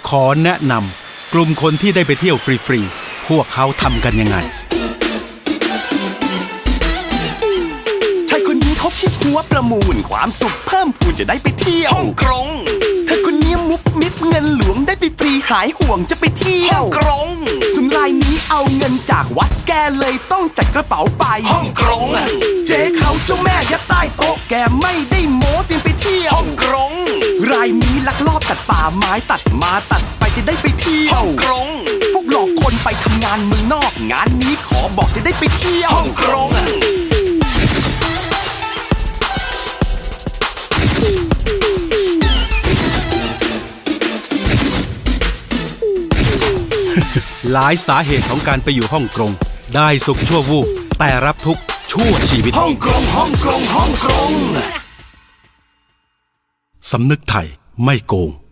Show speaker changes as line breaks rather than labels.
ขอแนะนำกลุ่มคนที่ได้ไปเที่ยวฟรีๆพวกเขาทำกันยังไง
ชายคนนี้เขาคิดหัวประมูลความสุขเพิ่มพูนจะได้ไปเที่ยวฮ่องกงเธอคนนี้มุกมิดเงินหลวงได้ไปฟรีหายห่วงจะไปเที่ยวฮ่องกงส่วนรายนี้เอาเงินจากวัดแกเลยต้องจัดกระเป๋าไปฮ่องกงเจ๊เขาเจ้าแม่ยัดใต้โต๊ะแกไม่ได้โม้เตรียมไปเที่ยวฮ่องกงรายนี้ลักลอบตัดป่าไม้ตัดมาตัดไปจะได้ไปเที่ยวฮ่องกงพวกหลอกคนไปทำงานเมืองนอกงานนี้ขอบอกจะได้ไปเที่ยวฮ่องกง
หลายสาเหตุของการไปอยู่ฮ่องกงได้สุขชั่ววูบแต่รับทุกข์ชั่วชีวิตฮ่องกงฮ่องกงฮ่องกงสำนึกไทยไม่โกง